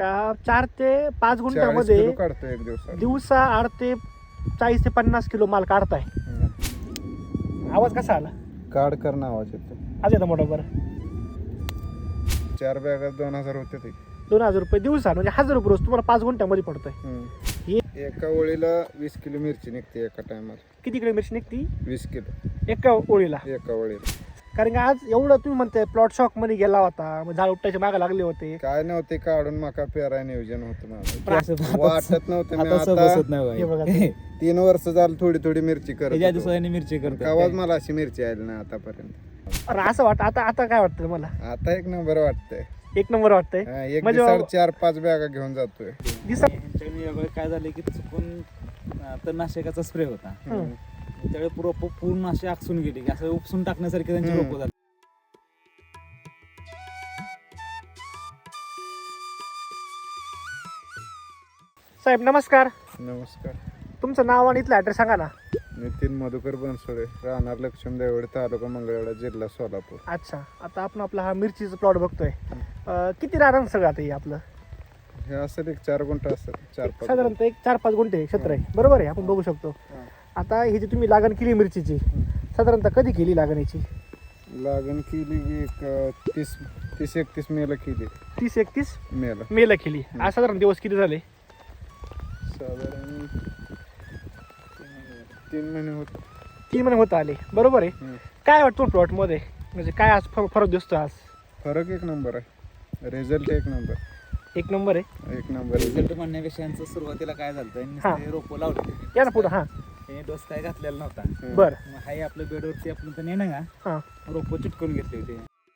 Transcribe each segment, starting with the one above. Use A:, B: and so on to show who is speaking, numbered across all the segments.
A: का 4 ते 5
B: 40
A: गुंठ्यामध्ये
B: किलो काढतो एक दिवसात.
A: दिवसा 8 ते 40 ते 50 किलो माल काढताय. आवाज कसा आला?
B: काढ करणं आवाज येतो.
A: आज येतं मोठा बरं.
B: 4 बॅगात 2000 होते ते.
A: 2000 रुपये दिवसा म्हणजे 1000 रुपये रोज तुम्हाला 5 गुंठ्यामध्ये पडतोय.
B: एका ओळीला 20 किलो मिरची निघते एका टायमाला.
A: किती किलो मिरची निघती
B: 20 किलो
A: एका ओळीला?
B: एका ओळीला.
A: कारण की आज एवढं तुम्ही म्हणताय प्लॉट शॉक मध्ये गेला होता, मग झाड उपटायचे मागे लागले होते.
B: काय नव्हते काढून मका पेराय नियोजन होतं माझं.
A: पण
C: असं
B: वाटत नव्हतं मी
C: आता
B: आता
C: बसत नाही
A: हे
C: बाई.
A: बघा
B: 3 वर्ष झालं थोडी थोडी मिरची करत
C: त्याच्या
B: होतो.
C: दिवसाने मिरची करतो
B: आवाज मला अशी मिरची आली ना आतापर्यंत.
A: अरे असं वाटतं आता काय वाटतं मला?
B: आता एक नंबर वाटतंय.
A: एक नंबर वाटतंय.
B: एक
A: म्हणजे
B: दिवसाला 4-5 बॅगा घेऊन जातोय.
C: ह्यांच्याकडे काय झालं की चुकून तणनाशकाचा स्प्रे होता. त्यावेळी रोप पूर्ण अशी आकसून गेली की असं उपसून टाकण्यासारखे त्यांची रोपं झाली.
A: साहेब नमस्कार.
B: नमस्कार.
A: तुमचं नाव आणि इथलं ऍड्रेस सांगा ना.
B: नितीन मधुकर बनसोडे, राहणार लक्ष्मी देवळे, तालुका मंगळवेढा, जिल्हा सोलापूर.
A: अच्छा, आता आपण आपला हा मिरचीचा प्लॉट बघतोय. किती राहणार सगळं आता हे आपलं?
B: हे असेल एक 4 गुंठ असेल. 4-5
A: साधारणतः एक 4-5 गुंठे क्षेत्र आहे, बरोबर आहे? आपण बघू शकतो. आता ही जी तुम्ही लागण केली मिरचीची, साधारणतः कधी केली लागणीची?
B: लागण केली की एक 30-31 मेला केली.
A: 30-31
B: मेला.
A: मेला केली. आज साधारण दिवस किती झाले?
B: साधारण 3 महिने होत.
A: 3 महिने होत आले, बरोबर आहे. काय वाटतं प्लॉट मध्ये, म्हणजे काय आज फरक दिसतो? आज
B: फरक एक नंबर आहे. रिझल्ट एक नंबर.
A: एक नंबर आहे.
B: एक नंबर
C: रिझल्ट म्हणण्यापेक्षा यांचं सुरुवातीला काय झालं, रोपं लावली.
A: या ना पुढं. हा
C: त्याने डोस काय घातलेला नव्हता.
A: बर.
C: मग हाय आपल्या बेडवरती आपण तर नाही ना
A: हा
C: रोपं चिटकून घेतले होते.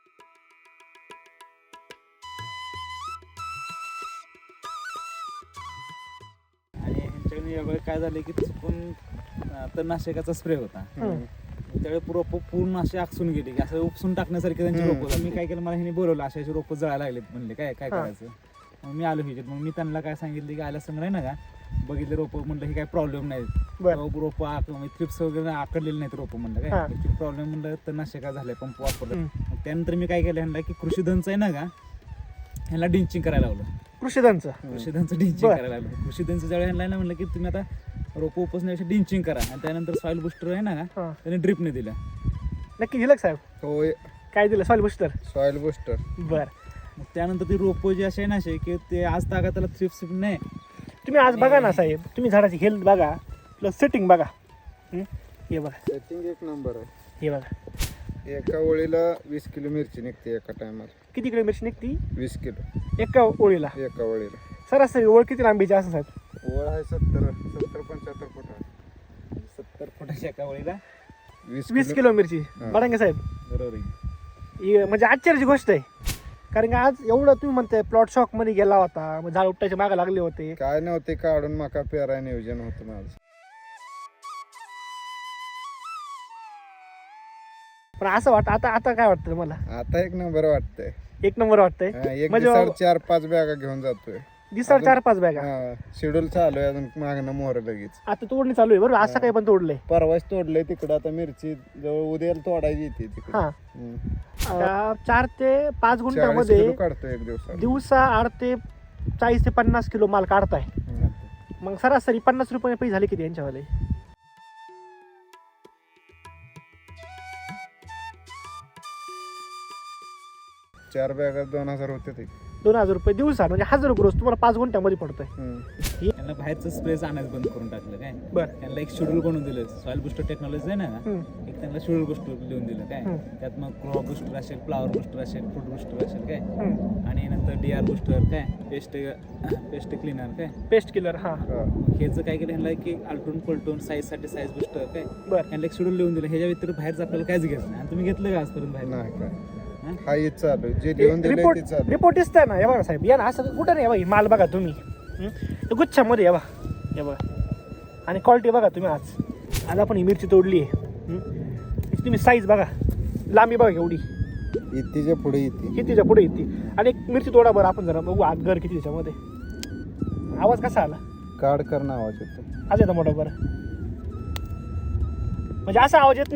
C: आणि ह्यांच्याकडे यावेळी काय झालं की चुकून तणनाशकाचा स्प्रे होता. त्यावेळी रोपं पूर्ण अशी आकसून गेली की असं उपसून टाकण्यासारखे त्यांची रोपं झाली. मी काय केलं, मला ह्याने बोलवलं, अशी रोपं जळायला लागलेत. म्हणले काय करायचं? मग मी आलो ह्याच्यात. मग मी त्यांना काय सांगितलं की आल्या समोर आहे ना का बघितले रोपं, म्हणलं हे काय प्रॉब्लेम नाही. रोपं थ्रिप्स वगैरे आकडलेले नाहीत रोपं. म्हणलं काय ऍक्च्युली प्रॉब्लेम, म्हणलं तर नाशिका झालाय पंप वापरलं. मग त्यानंतर मी काय केलं ह्यांना की कृषीधनचं आहे ना का ह्यांना डिंचिंग करायला लावलं. कृषीधनचं डिंचिंग करायला लावलं. कृषीधनचं ज्यावेळी ह्यांना ना म्हणलं की तुम्ही आता रोपं उपसण्यापेक्षा डिंचिंग करा. आणि त्यानंतर सॉइल बुस्टर आहे ना का त्याने ड्रिपने दिलं.
A: नक्की दिलं का साहेब?
B: होय.
A: काय दिलं? Soil booster.
B: Soil booster.
A: बर.
C: मग त्यानंतर ती रोपं जी असे ना असे की ते आज तागा त्याला थ्रिप्स नाही.
A: तुम्ही आज बघा ना साहेब, तुम्ही झाडाची हेल्थ बघा, प्लस सेटिंग बघा. हे बघा,
B: सेटिंग एक नंबर आहे.
A: हे बघा.
B: एका ओळीला 20 किलो मिरची निघते एका टायमाला.
A: किती किलो मिरची निघती
B: 20 किलो
A: एका ओळीला?
B: एका ओळीला.
A: सरासरी ओळ किती लांबीची असं साहेब?
B: ओळ आहे 70-75 फूट आहे.
C: 70 फुटाच्या एका वळीला
A: 20 किलो मिरची. बघा साहेब,
C: बरोबर आहे.
A: ही म्हणजे आश्चर्याची गोष्ट आहे. कारण की आज एवढं तुम्ही म्हणताय प्लॉट शॉक मध्ये गेला होता, मग झाड उपटायचे मागे लागले होते.
B: काय नव्हते काढून मका पेराय नियोजन होतं माझं.
A: पण असं वाटतं आता काय वाटतं मला?
B: आता एक नंबर वाटतंय.
A: एक नंबर वाटतंय.
B: एक
A: म्हणजे
B: दिवसाला 4-5 बॅगा घेऊन जातोय.
A: दिवसाला 4-5 बॅगा.
B: शेड्यूल चालू आहे अजून. मागणं मोहर लगेच
A: आता तोडणी चालू आहे, बरोबर? असं काही पण तोडलंय.
B: परवाच तोडलंय तिकडं. आता मिरची जवळ उद्याला तोडायची येते तिकडे.
A: हा 4 ते 5
B: 40
A: गुंठ्यामध्ये
B: किलो काढतो एक दिवसाला.
A: दिवसा 8 ते 40 ते 50 किलो माल काढताय. मग सरासरी 50 रुपये पैसे झाले किती यांच्यावाले?
B: चार बॅगात 2000 होते ते.
A: 2000 रुपये दिवसा म्हणजे 1000 रुपये रोज तुम्हाला 5 गुंठ्यामध्ये पडतोय.
C: त्यांना बाहेरचं स्प्रेच आणायचं बंद करून टाकलं. काय
A: बर.
C: त्यांना एक शेड्यूल बनवून दिलं. सॉइल बुस्टर टेक्नॉलॉजी आहे ना, एक त्यांना शेड्यूल बुस्टर लिहून दिलं. काय त्यात मग क्रॉप बुस्टर असेल, फ्लावर बुस्टर असेल, फ्रूट बुस्टर असेल, काय आणि नंतर DR बुस्टर, काय पेस्ट क्लिनर, काय
A: पेस्ट किलर. हा
C: ह्याचं काय केलं ह्यांना की आलटून पलटून साईजसाठी साईज बुस्टर, काय
A: बर.
C: ह्यांना एक शेड्यूल लिहून दिलं. ह्याच्या व्यतिरिक्त बाहेरचं आपल्याला काहीच घ्यायचं नाही. आणि तुम्ही घेतलं का आजपर्यंत बाहेर?
B: नाही काय. हा हेच चालू आहे. जे लिहून दिले ते चालू.
A: रिपोर्ट दिसतंय ना, हे बघा साहेब. या ना, असं कुठं नाही. बघा माल बघा तुम्ही, गुच्छामध्ये. हे बघा आणि क्वालिटी बघा तुम्ही. आज आपण ही मिरची तोडली आहे. तुम्ही साईज बघा, लांबी बघा एवढी.
B: इतीच्या पुढे येते.
A: कितीच्या पुढे येते. आणि एक मिरची तोडा बरं आपण जरा बघू आत घर किती त्याच्यामध्ये. आवाज कसा आला?
B: काढ करणं आवाज येतो.
A: आज येतं मोठा बरं. म्हणजे असा आवाज येत नाही साहेब.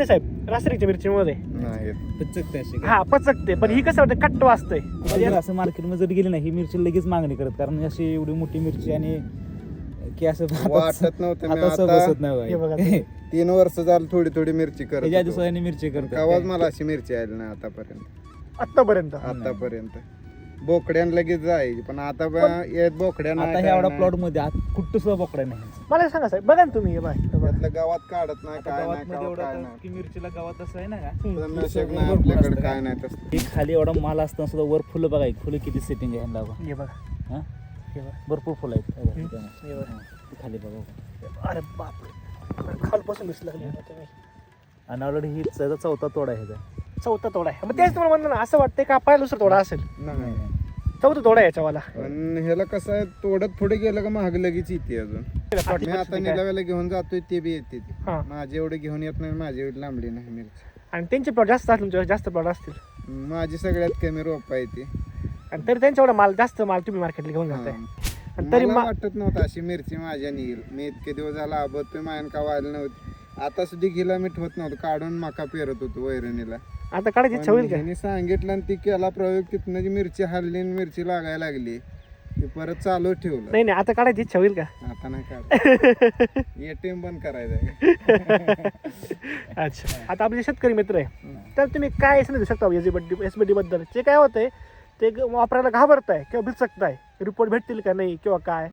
A: रासायनिकच्या मिरचीमध्ये
B: नाही
C: पचकते अशी
A: हा पचकते, पण ही कसं वाटतं कट्ट वाजतंय
C: म्हणजे असं मार्केटमध्ये जर गेली नाही ही मिरची लगेच मागणी करत, कारण अशी एवढी मोठी मिरची आणि की असं
B: वाटत नव्हतं मी
C: हाताचं
B: आता
C: बसत नाही
A: हे बघा
C: बाई.
B: 3 वर्ष झालं थोडी थोडी मिरची करत
C: ह्याच्या
B: होतो.
C: दिवसाने मिरची करतो
B: गावात मला अशी मिरची आली नाही आतापर्यंत
A: आतापर्यंत.
B: बोकड्यान लगेच जायची, पण आता येत बोकड्या नाही,
C: आता
B: काय
C: एवढा
B: नाही.
C: प्लॉट मध्ये कुठं सुद्धा बोकडा नाही
A: मला एक सांगा साहेब, बघा ना तुम्ही हे बघा.
B: त्यातलं गावात काढत नाही, काय
C: गावात
B: नाही
C: मध्ये
B: काय
C: एवढं
B: नाही.
C: की मिरचीला गावात असं आहे ना का
B: तणनाशक नाही
C: भरपूर
B: आपल्याकडे,
C: असतं
B: काय
C: का?
B: नाही तसं.
C: हे खाली एवढा माल असताना सुद्धा वर फुलं बघा, फुलं किती सेटिंग आहे ह्यांना बघा.
A: हे बघा,
C: हा?
A: हे बघा.
C: भरपूर फुलं आहेत हे बघा, इथं.
A: हे बघा.
C: हा, ते खाली बघा.
A: अरे बापरे, खालपासून दिसलं तुम्ही.
C: आणि ऑलरेडी ही त्याचा चौथा तोडा आहे ह्याचा.
A: चौथा तोडा आहे, मग तेच तुम्हाला म्हणलं ना, असं वाटतंय का पहिला दुसरा तोडा असेल,
B: नाही
A: चौथा तोडा आहे याच्यावाला.
B: पण ह्याला कसं आहे, तोडत पुढे गेलं का महाग लगेच येते अजून. मी आता निलाव्याला घेऊन जातोय ते बी येते ती.
A: हा.
B: माझी एवढे घेऊन येत नाही, माझी एवढी लांबली नाही मिरची.
A: आणि त्यांचे प्लॉट जास्त असतील, तुमच्यावर जास्त प्लॉट असतील,
B: माझी सगळ्यात कमी रोप आहे ती.
A: आणि तरी त्यांच्या एवढा माल जास्त माल तुम्ही मार्केटला घेऊन जाताय. आणि तरी
B: मला वाटत नव्हतं अशी मिरची माझ्या निघेल. मी इतके दिवस झाला आबतोय, मायन का व्हायला नव्हती. आता सुद्धा घिला मी ठेवत नव्हतं, काढून मका पेरत होतो वैरणीला.
A: आता काढायची इच्छा होईल का?
B: त्यांनी सांगितलं आणि ती केला प्रयोग, तिथनं जी मिरची हल्ली आणि मिरची लागायला लागली, ती परत चालू ठेवलं.
A: नाही नाही, आता काढायची इच्छा होईल का?
B: आता नाही काढ. एटीएम बंद करायचं.
A: अच्छा, आता आपले शेतकरी मित्र आहे, तर तुम्ही काय समजू शकता एसबीडी बद्दल? जे काय होतंय ते वापरायला घाबरताय किंवा भिचकताय, रिपोर्ट भेटतील का नाही किंवा काय?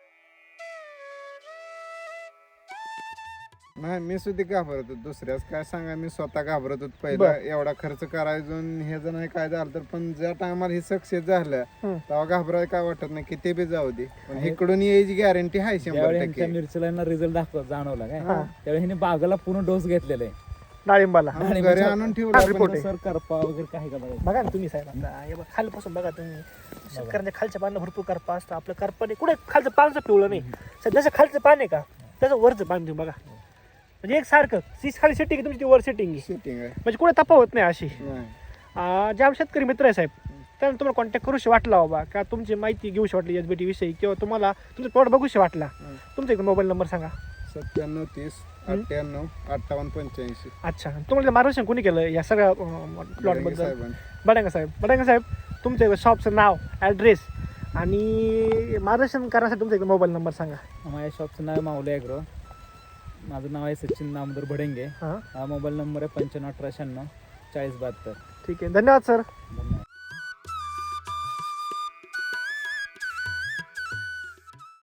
B: नाही, मी सुद्धा घाबरत होतो. दुसऱ्याच काय सांगा, मी स्वतः घाबरत होतो पहिला. एवढा खर्च करायचो आणि हे जर नाही काय झालं तर. पण ज्या टायमाला हे सक्सेस झालं तेव्हा घाबरायला काय वाटत नाही, किती बी जाऊ दे, पण इकडून यायची गॅरंटी आहे 100%.
C: त्या मिरचीला रिझल्ट जाणवला काय त्यावेळी ह्याने बागाला पूर्ण डोस घेतलेला आहे.
A: डाळिंबाला
B: आम्ही घरी आणून ठेवला.
A: report आहे.
C: सर करपा वगैरे काही का बघा.
A: बघा ना तुम्ही साहेब, आता हे बघा, खालपासून बघा तुम्ही, शेतकऱ्यांच्या खालच्या पानं भरपूर करपा असतं. आपलं करपाने कुठे खालचं पानचं पिवळं नाही, जसं खालचं पान आहे का त्याचं वरचं पान तुम्ही बघा, म्हणजे एक सारखं खाली सेटिंग आहे तुमची, ती वर सेटिंग आहे,
B: सेटिंग आहे.
A: म्हणजे कुठे तफावत नाही अशी.
B: नाही.
A: ज्या शेतकरी मित्र आहे साहेब, त्यांना तुम्हाला कॉन्टॅक्ट करूशी वाटला बाबा, का तुमची माहिती घेऊशी वाटली एसबीटी विषयी, किंवा तुम्हाला तुमचा प्लॉट बघूशी वाटला, तुमचा एक मोबाईल नंबर सांगा.
B: 97 30 98 58 85.
A: अच्छा, तुम्हाला मार्गदर्शन कोणी केलं या सगळ्या प्लॉटबद्दल? बडांगा साहेब, तुमचं शॉपचं नाव, ॲड्रेस आणि मार्गदर्शन करण्यासाठी तुमचा एक मोबाईल नंबर सांगा.
C: माझ्या शॉपचं नाव माऊली ॲग्रो, माझं नाव आहे सचिन नामदार भडेंगे.
A: हां,
C: हा मोबाईल नंबर आहे 95 18 96 40 72.
A: ठीक आहे, धन्यवाद सर.
C: धन्यवाद.